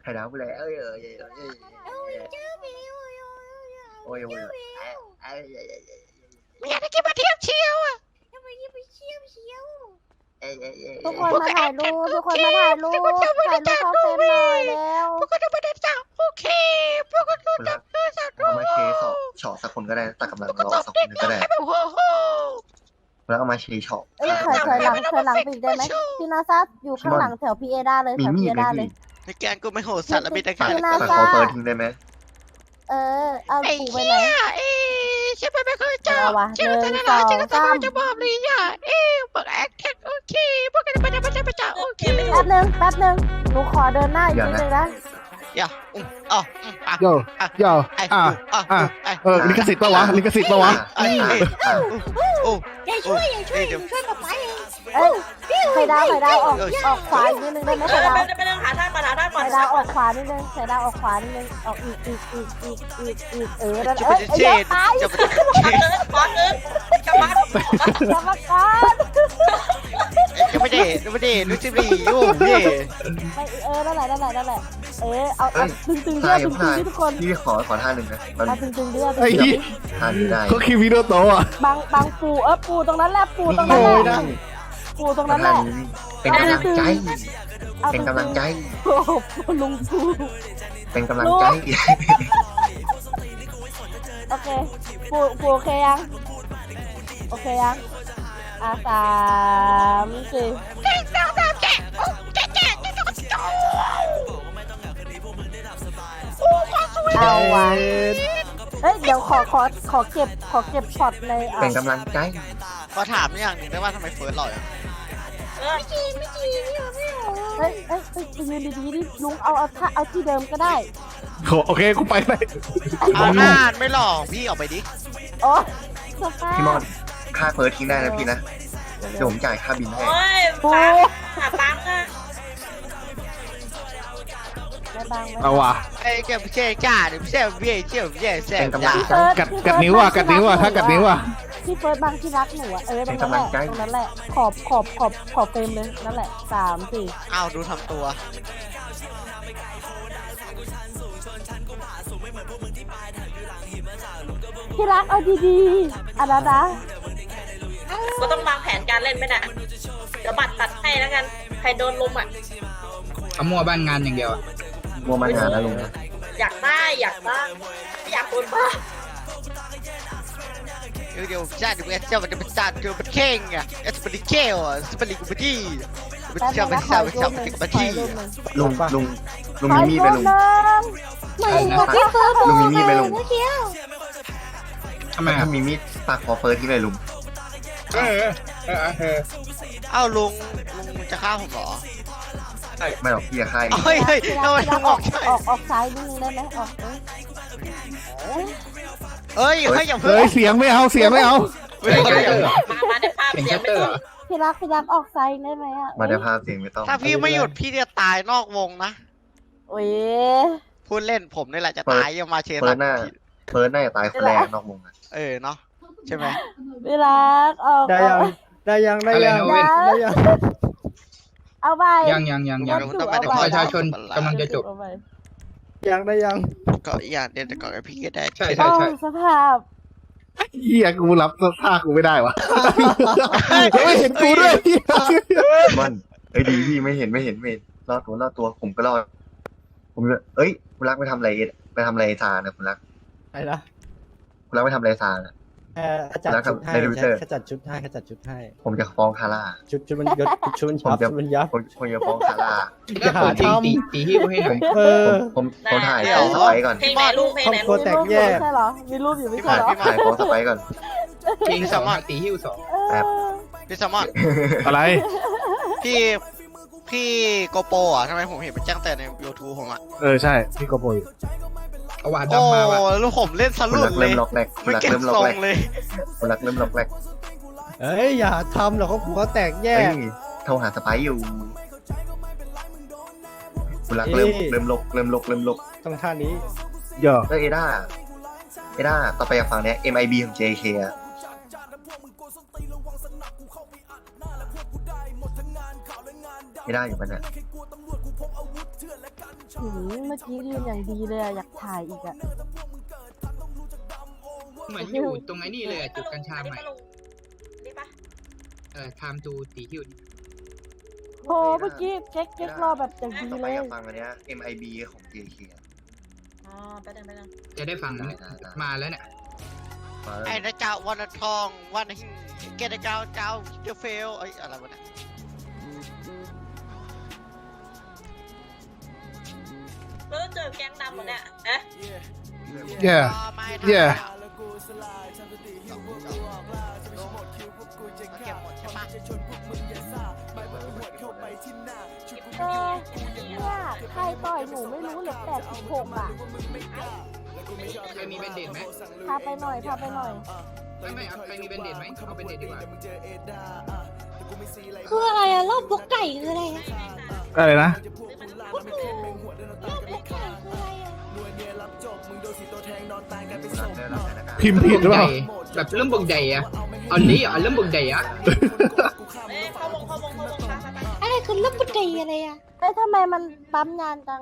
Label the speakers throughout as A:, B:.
A: ข่ดาวไปแล้วเอ้ยโอ้ย
B: ไม่อยากให้แกมาเที่ยวเชียวอ่ะ
C: ทุกคนมาถ่ายรูปทุกคนมาถ่ายรูปเข้าเฟรมหน่อยแล้ว
B: พวกก็จะมาเดินสาวโอเคพวกก็รู้จักเดินสาว
A: เอามาเชช็อตสักคนก็ได้ตัดกำลังเราสักคนนึงก็ได้
B: โอ้โห
A: แล้วเอามาเชช็อต
C: เอ้ยถอยหลังปีกได้ไหมพี่นาซาอยู่ข้างหลังแถวพีเอด้าเลย
A: มี
C: แถว
A: มี
C: พี
A: ด
C: เอ
A: ไหม
C: ด้าเลย
A: พี่
B: ในแกงกูไม่โหดสัตว์ละมีแต่
A: ปั
B: แค่
A: ดขอเฟิร์สทิ้งได้ไหม
C: เอา
B: ไอ้
C: ปูไป
B: เหี้
C: ไหน
B: ยใช่ไหมไม่เคยเจอ
C: เอาวะ
B: เจอแต่
C: 1
B: ละเจอ
C: 2
B: แต่
C: 3
B: จะบอกเลยอ่ะเปิดแอคแท็กโอเคพวกกันไปจะโอเค
C: แป๊บนึงหนูขอเดินหน้าอีกนิดนึงนะ
B: อย่าอ๋อ
D: โย่ลิขสิทธิ์ปะวะลิขสิทธิ์ปะวะ
B: โอ้
E: อย่าช่วยป๊าป๊าเอง
C: เอ้ยไข่ดาวออกขวาอีกนิดนึงได้ไหมไข่ดาว
E: ไปหาทางก่อน
C: ไข่ดาวออกขวานิดนึงไข่ดาวออกขวานิดนึงออกอีกนั่นเอ้ยเยอะไป
B: จะไป
E: บอสเอิร์ธกลับบ้าน
C: กรรมการ
B: จะไม่ได้รู้สึกดีโอ้พี่
C: ไม่นั่นแหละเอาตึงๆ
A: ใช่
C: ด้วยตึงๆทุกคน
A: พี่ขอท่าหนึ่งนะมัน
C: เอาตึงๆด้วย
D: ไอ้ยี่
A: ท่านี้ได้
D: เขาคิววิดีโอโตอ่ะ
C: บางปูตรงนั้นแหละปูตรงนั้นแหละปูตรงนั้นแหละ
A: เป็นกำลังใจ
C: เอา
A: เป็นกำลังใจ
C: โอ้โหลุงปู
A: เป็นกำลังใจ
C: โอเคปูโอเคยัง3 4เอาวะเฮ้ยเดี๋ยวขอเก็บช็อตใน
A: เป็นกำลังใจ
B: ขอถามอย่างหนึ่งได้ว่าทำไมเฟิร์สหล่ออ่ะ
E: ไม่จริง
C: เฮ้ยยืนดีๆดิลุงเอาที่เดิมก็ได้
D: โอเคกูไปไป
B: เอาหน้าไม่หล่อพี่ออกไปดิ
C: โอ้สภาพ
A: พี่มอนค่าเฟิร์สทิ้งได้นะพี่นะเดี๋ยวผมจ่ายค่าบินให้
E: โอ้ย
C: ปู
E: หาปังอ่ะ
C: ได้บ้างไหม
D: เอาว่ะ
B: ไอ้แกไม่ใช่จ้าหรือไม่ใช่เบี้ยเชี่ยวเบี้ยแซ่บจ้า
D: กัดนิ้วอ่ะถ้ากัดนิ้วอ่ะ
C: พี่เฟิร์สบางที่รักหนูอ่ะตรงนั้นแหละขอบเฟรมเลยนั่นแหละ3 4
B: อ้าวดูทำตัว
C: ที่รักเอาดีๆอันนั้นนะ
E: ก็ต้องวางแผนการเล่นไหมน่ะเดี๋ยวบัตรตัดให้แล้วกันใครโดนลุมอ่ะ
F: เอามั่วบ้านงานอย่างเดียวอะ
A: มัวมันงานนะลุง
E: อยากได้ไม่อยากโดนบ้า
B: เดี๋ยวจ้าเดี๋ยวเจ้ามันจะเป็นจ้าเดี๋ยวมันเข่งอ่ะเอสปริเกลอ่ะสปริกบัตตี้มันจะเป็นจ้าเป็นจ้าเป็นบัตตี้
A: ลุงมีมีดไหมลุง ลุงมีมีดไหมลุง
F: ทำไม
A: ถ้ามีมีดปากขอเฟิร์สทิ้งเลยลุง
F: เออ
B: เอ้าลุงจะฆ่าผมเหรอ
A: ไม่หรอกพี่จะฆ่าเอง
B: เฮ้ยทำไมลุงออกใช่
C: ออกซ้ายนิดนึงได้ไหมออก
B: เฮ้ยอย่าเพิ่
D: เฮ้
B: ง
D: ยเสียงไม่เอา
E: มาในภาพ
F: เป็น
E: เสีย
F: ชั
E: ง
F: ต
E: ไม่
F: เตอ
E: ต้
F: ร์
E: อง
C: พี่รักออกซ้ายได้ไหมอ่ะ
A: มาได้ภาพเสียงไม่ต้อง
B: ถ้าพี่ไม่หยุดพี่จะตายนอกวงนะ
C: โอ้ย
B: พูดเล่นผมนี่แหละจะตายยังมาเช
A: เฟิ
B: ตั
A: ร์สน่าจะตายคนแรกนอกวงอะ
B: เนาะใช่ไหม
C: พี่รักออก
D: ได้ยัง
F: อะไรนะเว้น
C: เอาไป
F: ยังประชาชนกำลังจะจบ
D: ยัง
B: ก็อย่างเดียวแต่ก่อนพี่ก็ได้
F: ใช่
C: โอ้สภาพ
D: เฮียกูรับท่ากูไม่ได้วะไม่เห็นกูด้วย
A: มันดีพี่ไม่เห็นรอดตัวผมก็รอดผมคุณรักไปทำอะไรซานะคุณรัก
G: อะไรนะ
A: คุณรักไปทำอะไรซานะ
G: จัดชุดให้
A: ใน Twitter
G: ขจัดชุดให้
A: ผมจะฟ้องคาร่า
G: ชุดมันยศชุดมันยับ
A: ผมจะฟ้องคาร่า
G: อย่าหาทำ
F: ตีหิ้วให้หน่อย
A: ผมถ่ายโพสไปก่อน
E: เพลงไหนลูกเพลงไหน
G: ครอบครัว
E: ลูก
G: แตกแยก
C: ใช่เหรอมีรูปอยู่ไม่
B: พี่
C: ใช่
B: มา
C: เหรอ
B: พี่มา
A: ถ่ายโพสไปก่อน
F: ตีสองตีหิ้วสอง
B: พี่แซมมอน
D: อะไร
B: พี่โกโปอ่ะทำไมผมเห็นมันแจ้งแต่ใน YouTube ผมอ่ะ
D: ใช่พี่กบอย
F: เอาหวาน
B: โอ้
F: ดำมาว่ะ
B: แล้วผมเล่นส
A: คุณ
B: ลุ
A: รั
B: ด
A: ก
B: เล
A: เริ่
B: ย
A: มล็อกแรกคุ
B: ไม่
A: ณรัก
B: เก็บ
A: เริ่มล็
B: ท
A: อก
B: รง
A: แรก
B: เลย
A: คุณรักเริ่มล็อกแรก
G: เอ้ยอย่าทำหรอกเขาแตกแยก
A: โทรหาสไปอยู่คุณรักเริ่มลก
G: ต้องท่านี้
D: ย่อ
A: แล้วเอด้าต่อไปฝั่งเนี้ย MIB ของ JK อะเอด้าอยู่ปะเนี่ย
C: เมื่อกี้ยืนอย่างดีเลยอะอยากถ่ายอีกอะ
F: เหมือนอยู่ตรงไอ้นี่เลยอะจุดกัญชา
E: อันนี้
F: ใหม่
E: มาลงนี่ปะ
F: time to ตีฮิว
C: โหเมื่อกี้เช็ครอแบบอย่างดี
A: ต่อไป
C: เลย
A: อยากฟังอันเนี้ย MIB ของ JK อะ
E: อ๋อไปเดิน
F: จะได้ฟังแล้วมาแล้วเนี่ย
A: มาแล้ว
B: ไอ้นะเจ้าวันทองวันหิงเกตเจ้าเจ้าเดเฟลไอ้อะไรวะเนี่ย
E: แล้วเจอแก๊งดำหมดเนี่ยนะ
D: yeah
B: ไม่
D: yeah
B: เก็บหมดใช่ปะ
C: เนี่ยใครต่อยหนูไม่รู้เหลือ86อะ
F: ใครมีแบนเดดไหม
C: พาไปหน่อย
F: ไม่เอาใครมีแบนเดดไหมเอาแบนเดดดีกว่า
H: คืออะไรอะรอบบกไก่คืออะไรอะ
D: อะไรนะ
H: ก็คือรอบบกไก่คืออะไรอะ
D: พิมพ์ผิดหรือเปล่า
F: แบบเริ่มบกใหญ่อะอันนี้เริ่มบกใหญ่อะ
E: เอ้ยเข้าวงไป
H: อะไรคือรอบบกไก่อะไรอะ
C: เอ้ยทำไมมันปั๊มนานจัง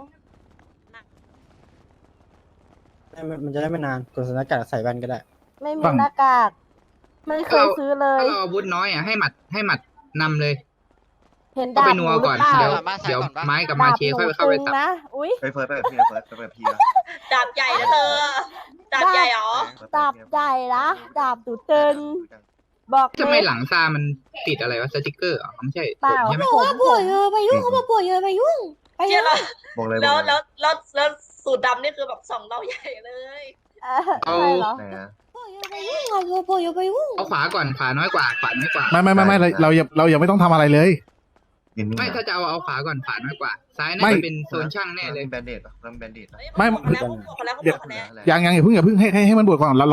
G: มันจะได้ไม่นานกดสถานการณ์ใส่แว่นก็ได้
C: ไม่มี
D: ฝั่ง
C: หน้ากาก ไม่เคยซื้อเลย
F: ถ้าเราอาวุธน้อยอะให้หมัดนำเลย
C: เห็น
F: ก็
C: ดา
F: ไป
C: บห
F: นั
C: นู
F: ว
C: หรื
F: ก่อน
C: อเปล่า
F: เดี๋ยวไม้กับมา
C: ดาบ
F: เช
C: หนู
F: ค่อยเข้าไป
C: ตึง
F: ตับ
C: นะ อุ้ย
A: เฮ้ยเฟิร์สไปแบบพี่นะเฟิร์สไปแบบพี่นะ
E: ดาบใหญ่นะเธอดาบใหญ่เหรอ
C: ดาบใหญ่นะดาบหนูตึงบอก
F: ทำไม
C: เลย
F: หลังซามันติดอะไรวะสติกเกอร์อ๋อไม่ใช่
C: เปล่า
F: ใช่ไหม
H: บอกว่าป่วยไปยุ่งเขาบอกป่วยไปยุ่งไป
E: เชี่
H: ยุ่
E: ย
H: ง
E: แล้ว
A: บอกเลย
E: แล้วสูตรดำนี่คือแบบ2เราใหญ่เลย
C: ใช่เหรอ
A: ไหนนะ
H: ป่วยไปยุ่งเขาบอกป่วยไปยุ่ง
F: เอาขวาก่อนขวาน้อยกว่าขวาน้อยกว่า
D: ไม่เรายังไม่ต้องทำอะไรเลย
A: ยืนนิ่ง
F: ไม่
A: นะ
F: ถ้าจะเอาขวาก่อนขวาน้อยกว่า ซ้ายน่า
D: ไม่
F: จะเป็นโซนช่างแน่เลย
A: แบนเดดป่ะเริ่มแบนเดดป่ะ
D: ไม่
E: เขาบอกแล้ว
D: ยังอย่าเพิ่งให้มันบวกก่อนเรา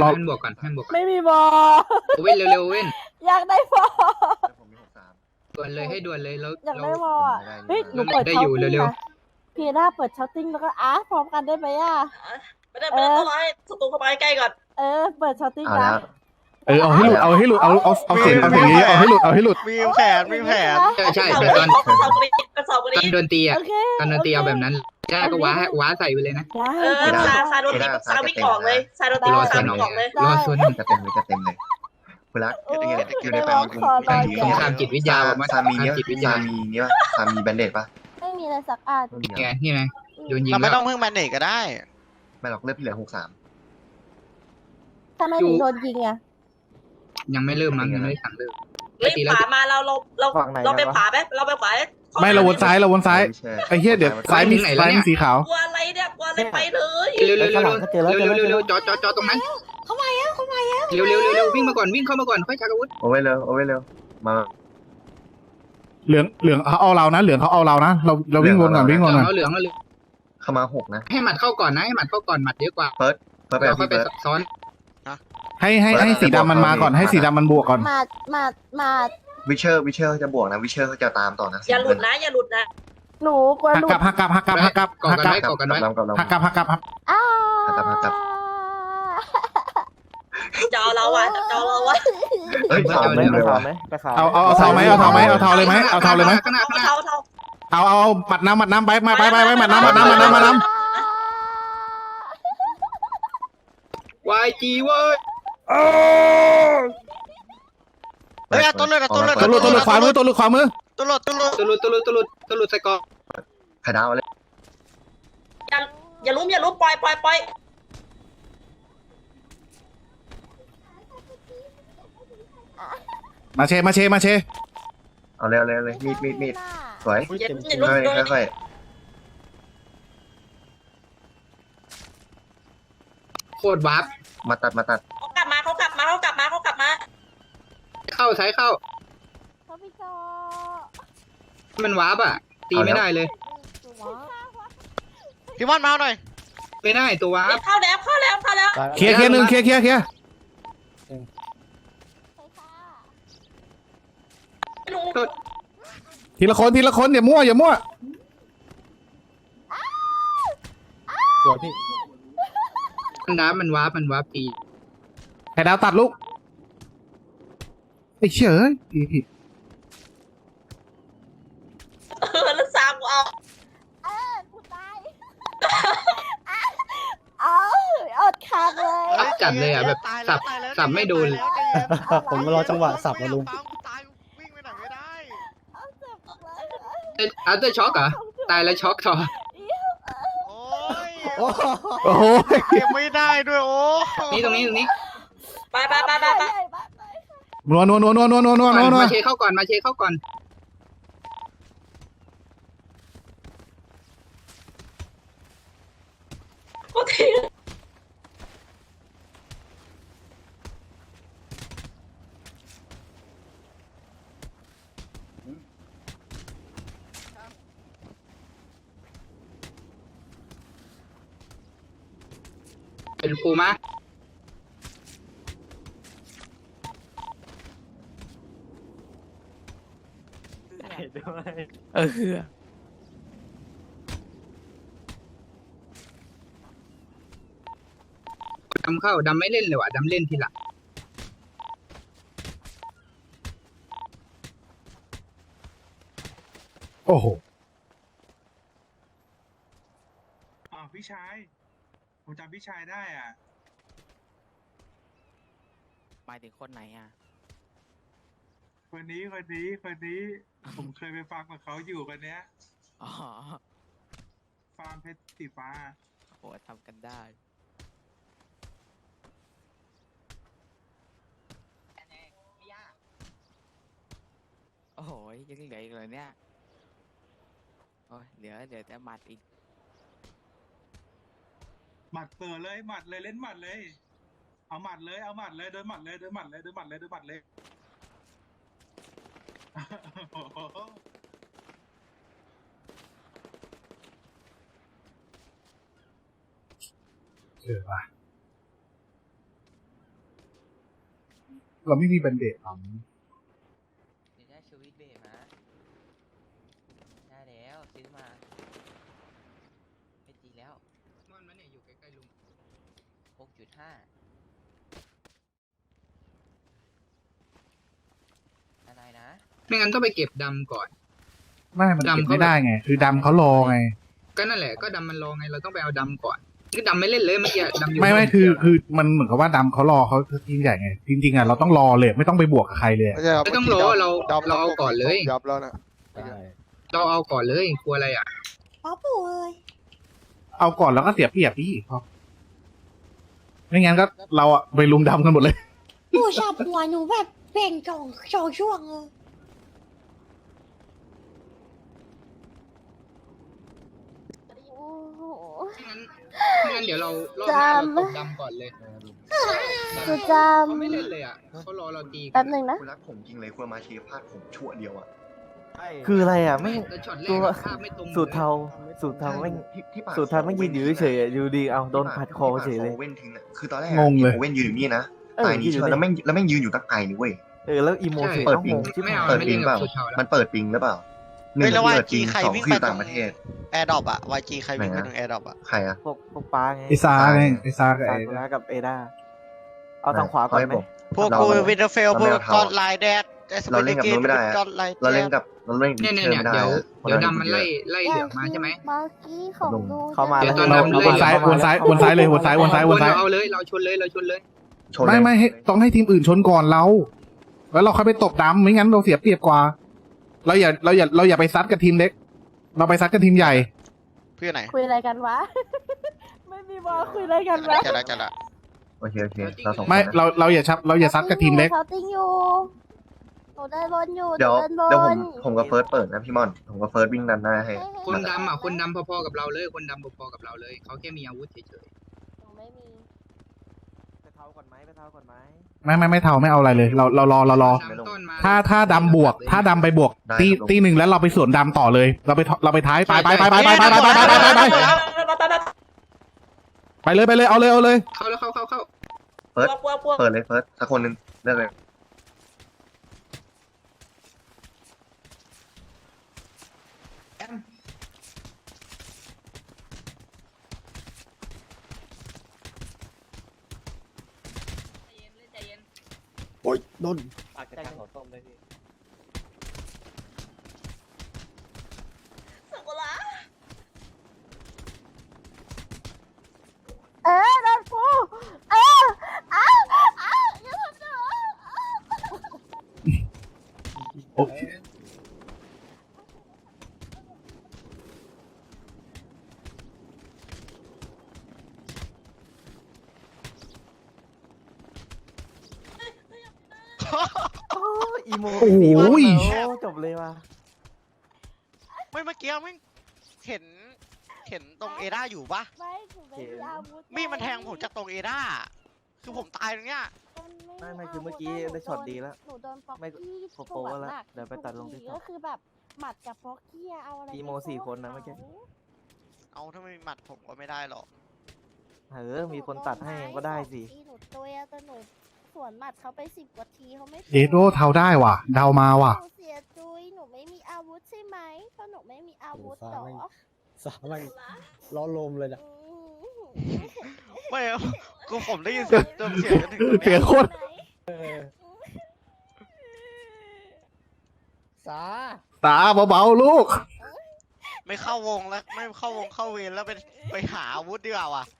F: ให้มันบวกก่อนให้มันบวกก่อน
C: ไม่มีบอ
F: เว้นเร็วๆเว้น
C: อยากได้บอ
A: ผมมี63
F: ด่วนเลยให้ด่วนเลยแล้ว
C: อยาก
F: เรา
C: ได้บออ่ะเฮ้ยหนูเปิด
F: ได้
C: เช้า
F: อยู่
C: ติ้ง
F: เร็ว
C: นะพี่ด้าเปิดเช้าติ้งแล้วก็พร้อมกันได้ไหมอ่ะ
E: ไม่ได้ต้องรอให้ศัตรูเข้ามาใกล้ก่อน
C: เปิดเช้าติ้ง
A: เอา
C: นะ
A: แล้ว
D: เอาให้หลุดเอาเสียงเยอะเอาให้หลุด
B: มีแผน
F: ใช่แต่ตอน
E: กระสอบกระ
F: ตอนโดนตีอ่ะ
C: โอเค
F: ตอนโดนตีเอาแบบนั้นได้ก็ว้าใส่ไปเลยนะ
E: ซาโดนตีซาวิ่งออกเลยซาโดนตี
F: รอ
E: ซา
F: ส่วน
E: วิ่งออกเลย
F: รอส่วน
A: จะเต็มเลยคุณรักอยู่ในแฟนคุณ
F: สงครามจิตวิทยาบอกว่า
A: ซามีเนี่ย
F: จิตวิทยา
A: ซามีเนี่ยซามีแบนเดดป่ะ
C: ไม่มีอะไรสักอัน
A: ไม่มี
F: ไงนี่ไงโดนยิง
B: เราไม่
F: แล้ว
B: ต้องพึ่งแมนเนจก็ได้
A: ไม่หรอกเลือดพี่เหลือ63
C: ทำไมถึงโดนยิงอ่ะ
F: ยังไม่เริ่มมั้งยังไม่ได้สั่งเริ่ม
E: เฮ้ยขวามาเราไปขวาไหมเราไปขวา
D: ไม่เราวนซ้ายไอ้เหี้ยเดี๋ยวซ้ายมีสีขาว
E: กลัวอะไรเนี่ยกลัวอะไรไปเลย
F: เร็วจอตรงนั้น
H: เขามาแล้ว
F: เร็ววิ่งมาก่อนวิ่งเข้ามาก่อนค่อยชักอาวุธ
A: เอาไว้เร็วมา
D: เหลืองเขาเอาเรานะเหลืองเขาเอาเรานะเราวิ่งวนก่อน
F: เหลืองแล้ว
A: เข้ามา6นะ
F: ให้หมัดเข้าก่อนนะให้หมัดเข้าก่อนหมัดเยอะกว่า
A: เฟิร์สไป
F: เราค่อย
A: พี่
F: ไป
A: เฟิร์ส
F: ซ้อน
D: ให้สีดำมันมาก่อนให้สีดำมันบวกก่อน
C: มา
A: วิเชอร์จะบวกนะวิเชอร์จะตามต่อนะ
E: อย่าหลุดนะอย่าหลุดนะ
C: หนูกลัวหลุด
F: ก่อกันไว้
D: หักกลับ
E: จะเอาเราอ่ะจะเอาเราอ่ะ
A: เฮ้ย
F: เอาเลย
D: เอาเทาไหมเอาเทาเลยไหม
E: เท่า
D: เอาหมัดน้ำไปหมัดน้ำ
F: YG เว้ย
B: เฮ้ยตัวเลือด
D: ตัวหลุดขวามือ
B: ตัวหลุด
F: ตุลุดใส่กอง
A: ไข่ดาวเลย
E: อย่าลุ้มปล่อย
D: มาเช
A: เอาเร็วมีดสวย
E: อย่าลุ้ม
A: ค่อย
F: โคตรวาร์ป
A: มาตัด
E: เขากลับมา
F: เข้าซ้ายเข้า
C: เขาพี่จอ
F: มันวาร์ปอ่ะตีไม่ได้เลย
B: พี่มอนมาหน่อย
F: ไม่ได้ตัววาร์ป
E: เข้าแล้ว
D: เคลียร์หนึ่งเคลียร์ ทีละคนอย่ามั่ว
G: สวยพี่
F: มันวาร์ปตี
D: ไข่ดาวตัดลูกไอ้เฉย
E: แล้วสามกูเอา
C: กูตายกเลย
F: รับจัดเลยอ่ะแบบสับไม่โดน
G: ผมมารอจังหวะสับมาลุง
B: ตายวิ่งไปไหนไม่ได้
C: เอาเจ็บเลย
F: อัลเตอร์ช็อกเหรอตายแล้วช็อกต่อ
B: โอ้ย
D: โอ้โห
B: เก็บไม่ได้ด้วยโอ้
F: นี่ตรงนี้
E: ไปไปไปไปไป
D: นัว
F: มาเชเข้าก่อนมาเชเข้าก่อน
E: โอเค
F: เป็นปูมะ ดำเข้าดำไม่เล่นเลยว่ะดำเล่นทีหลัง
D: โอ้โห
I: พี่ชาย ผมจำพี่ชายได้อ่ะ
J: หมายถึงคนไหนอ่ะ
I: คนนี้ ผมเคยไปฟังกับเขาอยู่คนเนี้ย
J: อ๋อ
I: ฟาร์มเพชรสีฟ้า
J: โหทำกันได้ โอ้โหยังเหลืออีกเลยเนี่ย โอ้ยเหลือแต่หมัดอีก
I: หมัดเปิดเลยหมัดเลยเล่นหมัดเลย เอาหมัดเลยเดินหมัดเลยเดินหมัดเลยเดินหมัดเลย โอ้โห
D: ว่ะเราไม่มีแบนเดตหรอ
J: ได้ชูวิทเบมาได้แล้วซื้อมาไม่ตีแล้ว
F: มันเนี่ยอยู่ใกล้ๆลุง
J: 6.5 อะไรนะ
F: ไม่งั้นต้องไปเก็บดำก่อน
D: ไม่มันเก็บไม่ได้ไง คือดำเขารอไง
F: ก็นั่นแหละก็ดำมันรอไงเราต้องไปเอาดำก่อนคือดำไม่เล่นเลยเมื่อกี้ดำอยู่
D: ไม่คือมันเหมือนกับว่าดำเขารอเขาทีมใหญ่ไงจริงๆอ่ะเราต้องรอเลยไม่ต้องไปบวกกับใครเลย
F: ไม่ต้องรอเราเอาก่อนเลย
B: ยับแล้วนะ
F: เราเอาก่อนเลยกลัวอะไรอ่ะ
H: ป๊อปปู่เอ้ย
D: เอาก่อนแล้วก็เสียเปรียบพี่ครับไม่งั้นก็เราอะไปลุมดำกันหมดเลย
H: ปู่ชอบหัวหนูแบบแบ่งสองช่วงเลย
C: โอ้โห
F: ไม่งั้นเดี๋ยวเรารอบหน้าเราตบดำก่อนเลย
C: คือจ
F: เขาไม่เล่นเลยอ่ะเขารอเราตี
C: ำแป๊บหนึ่งนะ
A: คุณรักผมจริงเลยคุณมาเชียร์พลาดผมชั่วเดียวอ่ะ
K: คืออะไรอ่ะไม่
F: แต่ช็อตแร
K: ตัว
F: กภาพไม่ตรง
K: สูตรเทาไม่
A: ที่ปาก
K: สูตรเทาไม่ยืนอยู่เฉยๆอ่ะอยู่ดีเอาโดนผัดคอเฉยเลย
A: เว้นทิ้งอ่ะคือตอนแรก
D: งงเลย
A: เว้นยืนอยู่นี่นะ
K: เออ
A: ตายนี่เชื่อแล้วแม่งยืนอยู่ตั้งไกลนี่เว้ย
K: แล้วอีโมเฉย
A: เปิด
K: ต้อง
A: ปิ
K: ง
A: ง
K: งที่
F: ไม่เอา
A: เปิด
F: ไม่
A: ปิ
F: เล่
A: ง
F: น
A: เป
F: กั
A: ล่า
F: บสูตรเทาแล้ว
A: มันเปิดปิงหรือเปล่าหนึ่
B: เฮ้ย
A: ง
B: แล้ว
A: เปิด
B: YG
A: ปิง
B: ใคร
A: สอง
B: วิ่ง
A: คือ
B: ไป
A: ต่างประเทศ
B: แอร์ดรอปอะ YG ใครวิ่งไปตรงแอร์ดรอปอะ
A: ใครอะ
K: พวกป้าไง
D: ไอซาไงไอซากับไอ
K: ซากุระกับเอดาเอาทางขวาก่อนไหม
B: พวกกูวินเทอร์เฟลพวกกอดไลน์แดดกอดไลน์
A: เราเล่นกับ
F: เนี่ย
A: เชื่อไม่ได้
F: เดี๋ยวดำมันไล่เหลืองมาใช่ไหม
C: เมื่อกี้ของดู
K: เข้ามา
F: เดี๋ยวตอน
K: แล้ว
F: ดำ
D: วนซ้ายวนซ้ายวนซ้ายเลยวนซ้ายวนซ้ายวนซ้าย
F: เอาเลยเราชนเลย
A: ชนเลย
D: ไม่ให้ต้องให้ทีมอื่นชนก่อนเรา แล้วเราค่อยไปตบดำไม่งั้นเราเสียเปรียบกว่า เราอย่าไปซัดกับทีมเล็ก เราไปซัดกับทีมใหญ่
B: เพื่อไหน
C: คุยอะไรกันวะ ไม่มีบอลคุยอะไรกันวะ
B: จะละ
A: โอเคเราสองคน
D: ไม่เราอย่าซัดกับทีมเล็ก
C: เขาติ้งอยู่หนูได้บอลอยู่
A: เดี๋ยว
C: หนู
A: เดี๋ยว
C: เดินบ
A: ผมกับเฟิร์สเปิดนะพี่มอนผมกับเฟิร์สวิ่งดันหน้าให้
F: คนดำอ่ะคนดำพอๆกับเราเลยคนดำพอๆกับเราเลยเขาแค่มีอาวุธเฉย
C: หนูไม่มี
K: ไปเท้าก่อนไหม
D: ไม่เท่าไม่เอาอะไรเลย เรารอ
F: ๆดำต้นมา
D: ถ้าดำบวก ถ้าดำไปบวกตีหนึ่งแล้วเราไปสวนดำต่อเลย เราไปท้ายไปเลยเอาเลย
F: เข้าแล้วเข้า
A: เฟิร์ส
E: ปัว
A: เปิดเลยเฟิร์สสักคนหนึ่งเลือกเลย
E: ใจเย็น
G: โอ้ยโดน
E: สักุระ
C: โดนกู
K: โอ้อีโม
D: โอ้ย
K: โอ้จบเลยว่ะ
B: ไม่เมื่อกี้ไม่เห็นตรงเอด้าอยู่ปะ
C: ไม่หนูไม่มีอาวุธ
B: มีดมันแทงผมจากตรงเอด้าคือผมตายตรงเนี้ย
K: ไม่คือเมื่อกี้ได้ช็อตดีแล้ว
C: หนูโดนฟอก
K: ไม่
C: กี้
K: โป๊ะแล้วเดี๋ยวไปตัดลงที่ช็อต
C: ก็คือแบบหมัดกับฟอกกี้เอาอะไร
K: อีโม
C: ไปสู้
K: 4 คนนะเมื่อกี้
B: เอาถ้าไม่มีหมัดผมก็ไม่ได้หรอก
K: มีคนตัดให้เองก็ได้สิ
C: หนูตัวแต่หนูสวนหมัดเขาไป10 กว่าทีเขาไม่
D: เดโดเทาได้ว่ะ เดามาว่ะ
C: หนูเสียจุยหนูไม่มีอาวุธใช่ไหมเพราะหนูไม่มีอาวุธ
G: โอ้
C: หรอ
G: ฟ้าไม่ สามันล้อลมเลยนะ
B: ไม่กูผมได้ยินเสียงจนเสียงจนถึงตรง
D: เสี
B: เนี้
D: ย
B: ย
D: งโคตร
G: สา
D: ตาเบาๆลูก
B: ไม่เข้าวงแล้วไม่เข้าวงเข้าเวรแล้วไปหาอาวุธดีกว่าว่ะ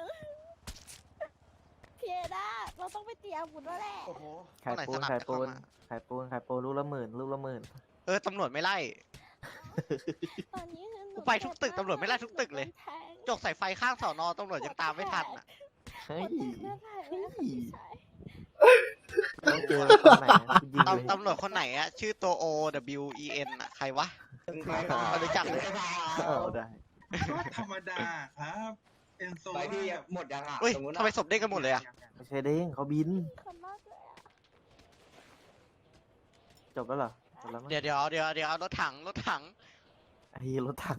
C: เพียด้าเราต้องไปเตรียมอาวุธแล้วแหละ
K: ขายปูนขายปูนขายปูนขายปูนลูกละหมื่นลูกละหมื่น
B: ตำรวจไม่ไล่
C: ตอนนี้คือหนู
B: กูไปทุกตึกตำรวจไม่ไล่ทุกตึกเลย จกใส่ไฟข้างสอนอตำรวจยังตามไม่ทันอ่ะ
K: เฮ้ย
C: เลือกถ่ายไว้แล้วค่ะพี่ชาย
K: ต้องเจอตอนไหนกูยิงเลย
B: ตำรวจคนไหนอะชื่อตัว O W E N อะใครวะไม่รู้จักเลย
K: ได้
I: ธรรมดาครับเอ็นโซ
A: ไปพี่หมดยังอ่ะ
B: เฮ้ยทำไมศพเด้งกันหมดเลยอะ
K: ไม่ใช่เด้งเขาบิน
C: คนมากเลยอะ
K: จบแล้วเหรอจบแล้วมั้ง
B: เดี๋ยวรถถัง
K: ไอ้รถถัง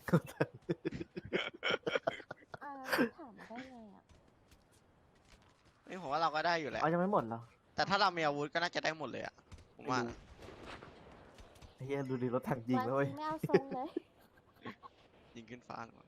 C: ถามได้ไงอ่ะ
B: นี่ผมว่าเราก็ได้อยู่แหละ
K: เอายังไม่หมดเหรอ
B: แต่ถ้าเรามีอาวุธก็น่าจะได้หมดเลยอะผมว่า
K: ไอ้เหี้ยดูดิรถถังยิงแล้วเว้ย
C: ไม่เอาทรงเลย
B: ยิงขึ้นฟ้าก่อน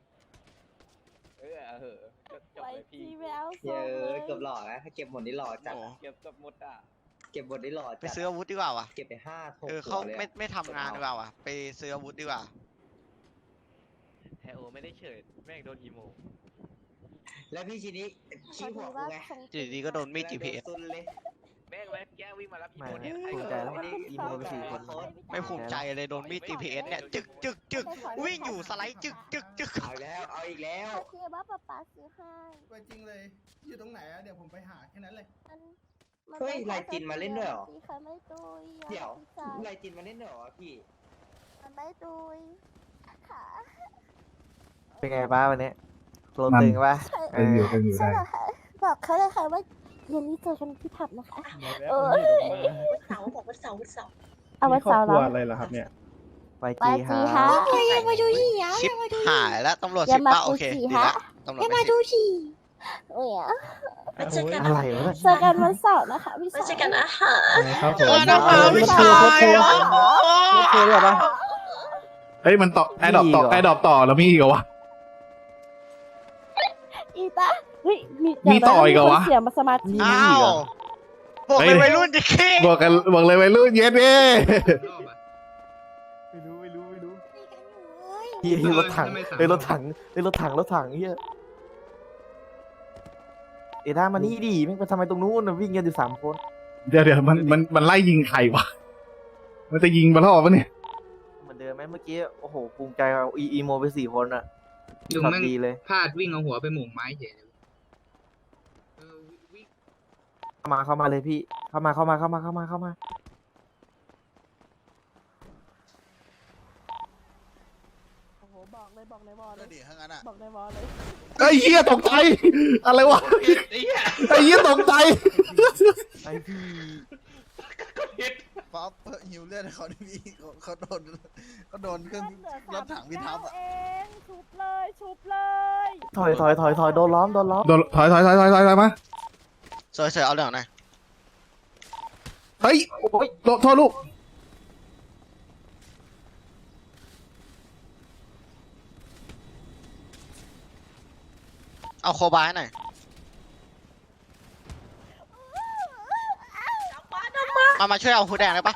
C: ไว้ที่ไม่เอาทรงเลย
A: เกือบหล่อนะถ้าเก็บหมดนี่หล่อจัด
B: โอ้
A: เก็บหมดนี่หล่อ
B: ไปซื้ออาวุธดีกว่าว่ะ
A: เก็บไป5
B: เขาไม่ทำงานดีกว่าว่ะไปซื้ออาวุธดีกว่า
A: แฮโอไม่ได้เฉิดแม่งโดนอีโมแล้วพี่ชินิชี้หัวกูไง
B: อยู่ดีๆก็โดนมีด GPS
A: ซุนเลยแม่งแวะแก้วิ่งมารับอี
K: ไม่
A: โมเนี่ย
K: ภูมิใจแล้วอีโมไป4 คน
B: ไม่ภูมิใจเลยโดนมีด GPS เนี่ยจึกวิ่งอยู่สไลด์จึก
A: เอาอีกแล้ว
C: คือว่าป๊าป๊าซื้อให้
G: ไปจริงเลย อยู่ตรงไหนอะเดี๋ยวผมไปหาแค่นั้นเลย
C: มัน
A: เฮ้ยลายจินมาเล่นด้วยเหรอ
C: พี่เคยไม่ตุยอะ
A: เดี๋ยว
C: พี่ชาย
A: ไรจินมาเล่นเหรอพี่
C: มันไม่ตุยค่ะ
K: เป็นไงป้าวันนี้โปรตึงป่ะ
D: เป็นอยู่ได้
C: ใช่เหรอคะบอกเขาเลยค่ะว่าเย็นนี้เจอกันที่ผับนะคะ
E: วันเสาร์
C: เอาไว้เสาร์แล้ว
G: อะไรล่ะครับเนี่ย
K: ไป
C: ไป
K: จี
C: จี
K: ฮะ
C: ฮะ
E: อย่ามาดูที่อ่ะ
B: ชิปหายแล้วตำรวจ
C: อย่า
B: สิบ
C: มา
B: ป่ะโอเค
C: ดูสิ
B: ดี
C: ฮะ
B: ละตำรวจ
E: อย่า
B: ไม่
E: มา
B: สิบ
E: ดูที่
C: เนี่ย
E: มาเจอกัน
K: อะไรวะเนี่ย
C: เจอกันวันเสาร์นะคะพี่
E: มา
C: ชาย
E: เจอกันอาหาร
G: ครับผม
B: นะคะพี่ชาย
K: เคยหรอปะ
D: เฮ้ยมันต่อแอดดอปต่อ
K: มีอีกเหรอ
D: แอดดอปต่อแล้วมีอีกเหรอวะ
C: อีตาเฮ้ย
D: มีต่ออีกเหรอวะ
C: เสียมาสมาธิ
B: อ้าวบอกเลยวัยรุ่นจะเค้ง
D: บอกเลยวัยรุ่นเย็ดเด้
F: รอบอะ
K: ไม่รู้เฮียรถถังเฮ้ยรถถังเฮ้ยรถถังเฮียเอด้ามานี่ดิแม่งไปทำไมตรงนู้นน่ะวิ่งกันอยู่3 คน
D: เดี๋ยวมันไล่ยิงใครวะ มันจะยิงมาล่อปะเนี่ย
K: เหมือนเดิมไหมเมื่อกี้โอ้โหภูมิใจเอาอีโมไป4 คนอ่ะ
F: ลุง
K: ขับ
F: แม่ง
K: ดีเลย
F: พลาดวิ่งเอาหัวไปหม่งไม้เฉยเลยวิ่ง
K: เข้ามาเลยพี่เข้ามา
C: โอ้โหบอกเลยบอกเลยบอกเลยบอกเลยบอกเลย
D: ไอ้เหี้ยตกใจ อะไรวะ ไอ้เหี้ยตกใจ
K: ไอพี่
L: ป๊อปหิวเลือดเขาดิพี่เขาโดนเครื่องรถถังพิทับอ่ะ
C: เองชุบเลยชุบเลย
K: ถอยโดนล้อม
D: โดนถอยมา
B: สวยๆเอาเรื่องหน่อย
D: เฮ้ย
K: โอ้ย
D: โทษลูก
B: เอาโคบายหน่อยมาช่วยเอาหูแดงได้ปะ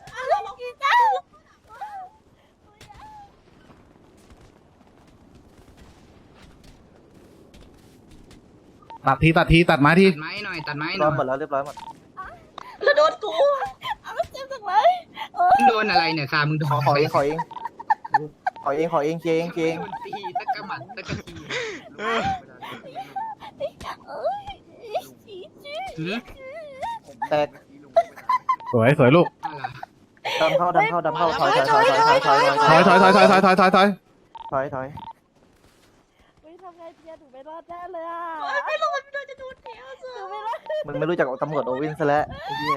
D: ตัดทีตัดมาที
F: ตัดไม้หน่อยตัดไม้ห
K: ล้
F: น่
K: อ
F: อ
K: ม
F: ย
K: หมดแล้วเรียบร้อยหมด
E: แล้วโดนกู
C: เอาเจ็บจังเลย
F: มึงโดนอะไรเนี่ยค่ะมึงโดน
K: ขอเองเจง
F: โดนตีตะกะหมัดตะกะที
C: เอ้ยจีจี
F: หือ
K: แตก
D: สวยสวยลูก
F: อะไร
K: ดำเข้าถอยถอย
C: ไม่ทำไงเพียหนูไม่รอดแน่เลยอ่ะ
E: ไม่รู้มันจะดูเที่ยวสิ
C: หนูไม่รอด
K: มึงไม่รู้จักตำรวจโอเว่นซะแล้วไอ้เหี้ย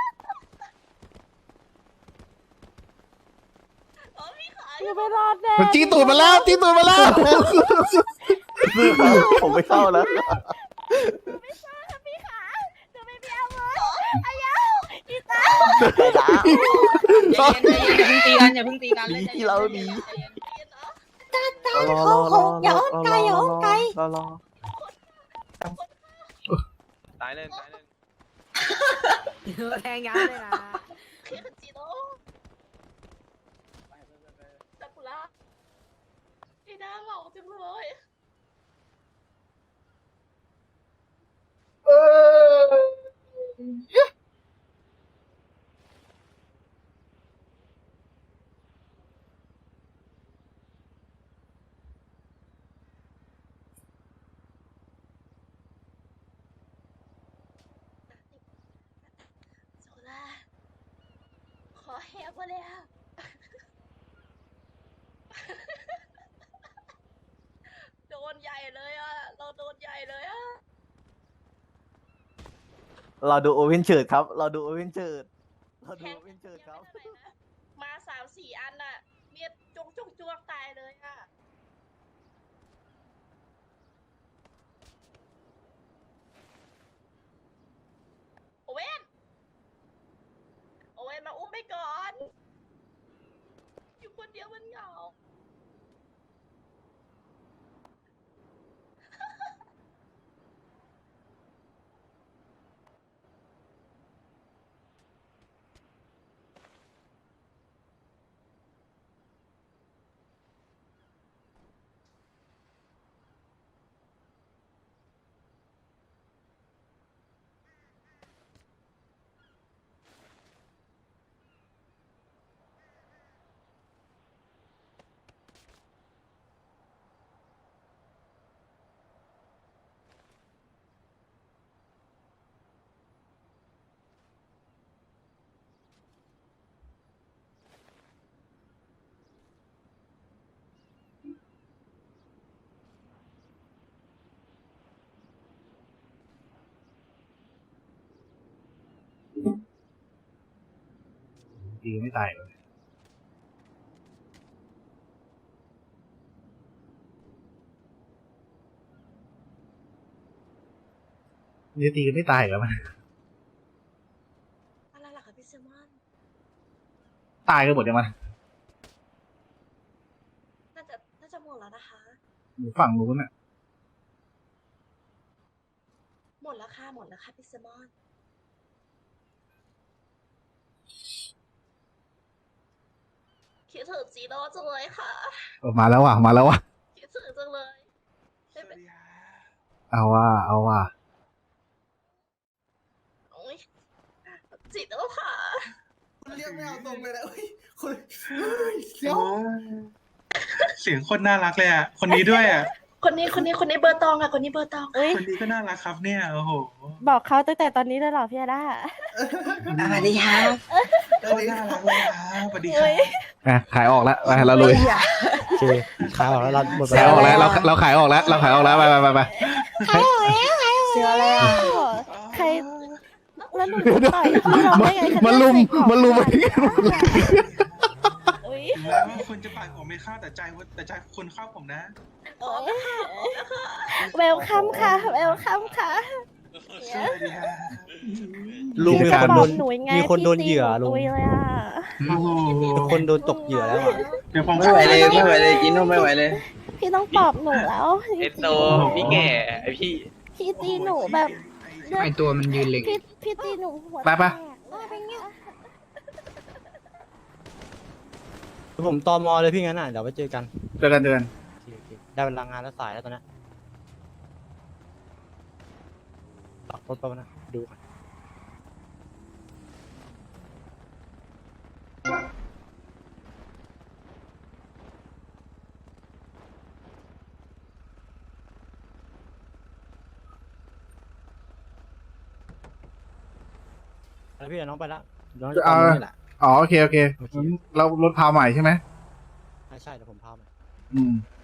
C: หนูไม่รอดแน่
D: มันจี้ตูดมาแล้วจี้ตูดมาแล้ว
K: ผมไม่เข้าแล้ว
C: ไม่ทราบค่ะพี่ขาหนูไม่มีอาวุธอายาอีตา
E: อย่าเพิ่งตีกัน
K: ดีที่เราดี
H: อย่าอ้อมไกลอย่าอ้อมไกล
K: รอ
J: ตายเลยตายเลย
G: แทงยับเลยนะ
E: คือจีโร่ซากุระไอ้หน้าเหล่าจังเลย ซากุระขอแหกมาแล้ว โดนใหญ่เลยอ่ะ เราโดนใหญ่เลยอ่ะ
K: เราดูโอเว่นเฉิดครับ เราดูโอเว่นเฉิดครับ
E: มา3-4 อันน่ะเมียจงจ้วงตายเลยอ่ะ โอเว่น โอเว่นมาอุ้มไปก่อน อยู่คนเดียวมันเหงา
D: ตีไม่ตายเลยนี่ตีกันไม่ตายเหรอมัน
E: อะไรล่ะคะพี่เซมอน
D: ตายกันหมดยังมัน
E: น่าจะหมดแล้วนะคะ
D: อยู่ฝั่งนู้นน่ะ
E: หมดแล้วค่ะพี่เซมอน คิดถึงจีโร่จังเลยค่ะ
D: มาแล้วว่ะมาแล้วว่ะ
E: คิดถึงจังเลย
I: สวัสดีฮะ
D: เอาว่ะ
E: โอ้ยจีโร่ค่ะ
L: เรียกไม่เอาตรงเลยนะเฮ้ยคน
I: เสียงคนน่ารักเลยอ่ะ คนนี้ด้วยอ่ะ
E: คนนี้เบอร์ตองอ่ะ คนนี้เบอร์ตอง
C: เอ้ย
I: คนนี้ก็น่ารักครับเนี่ย โอ้โห
C: บอกเขาตั้งแต่ตอนนี้เลยเหรอพี่อาด้า
I: สวัสดีครับคนน่ารักเลยครับสวัสดีครับ
D: อ่ะขายออกแล้วไปเราลุย
G: โอเคขายออกแล้วเราหมดไป
D: ขายออกแล้วเราขายออกแล้วไป
C: เสืออะไรอ่ะใครแล้วหนูจะต่อยพี่น้องได้ไงคะ
D: มันลุม
C: อุ๊ย
I: ถึงแม้ว่าคุณจะปากผมไม่เข้าแต่ใจคุณเข้าผมนะ
C: เวลคัมค่ะเวลคัมค่ะ
I: สวัสดีฮะ
G: ลุงมีคนโดน
C: หนูยังไง
G: มีคนโดนเหยื่อ
C: พี่
G: ลุง
C: ตีหนูตุยเลยอ่ะ
I: โอ้โห
G: มีคนโดนตกเหยื่อแล้วอะ
I: เดี๋ยวผม
L: ไม่ไหวเลยกินนมไม่ไหวเลย
C: พี่ต้องปลอบหนูแล้ว
J: พี่แก่พี่
C: พี่ตีหนูแบบเลือด
F: ไอตัวมันยืนเล็ง
C: พี่ตีหนูหัว
D: ไป
C: แตกเป็นไง
G: ผมตมเลยพี่งั้นอ่ะเดี๋ยวไปเจอกัน
D: เจอกัน
G: โอเคได้เวลางานแล้วสายแล้วตอนนี้ตักรถไปวะนะดูก่อน แล้วพี่เดี๋ยวน้องไปละน้องจะตามนี่แหละ
D: อ๋อโอเคโอเคเรารถพาใหม่ใช่ไหม
G: ใช่เดี๋ยวผมพาไป
D: อืม